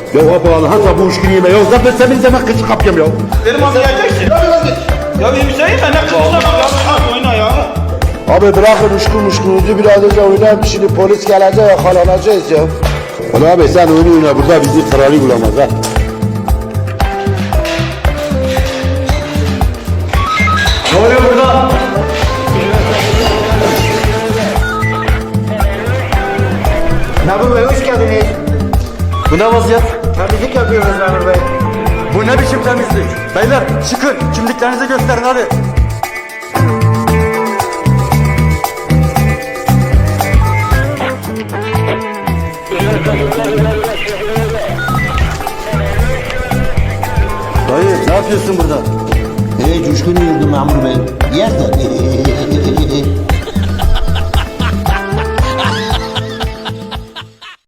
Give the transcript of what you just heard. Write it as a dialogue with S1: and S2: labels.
S1: Ya abi hatta bu işkini yeme ya. Zaten senin zaman kıçı kapıyorum ya.
S2: Benim abi geleceksin. Ya bir Hüseyin ben ne kızmışlar ya. Oyna ya.
S1: Abi bırakın uşkunuzu biraz önce oynayın. Şimdi polis gelecek yakalanacağız ya. Ulan abi sen oyna burada bizi kralı bulamaz ha.
S3: Ne oluyor burada?
S4: Memur Bey hoş geldiniz.
S3: Bu ne vaziyet?
S4: Temizlik yapıyoruz Memur Bey.
S3: Bu ne biçim temizlik? Beyler çıkın, kimliklerinizi gösterin hadi. Dayı ne yapıyorsun burada?
S5: Coşkun yurdu memur bey. Yer de.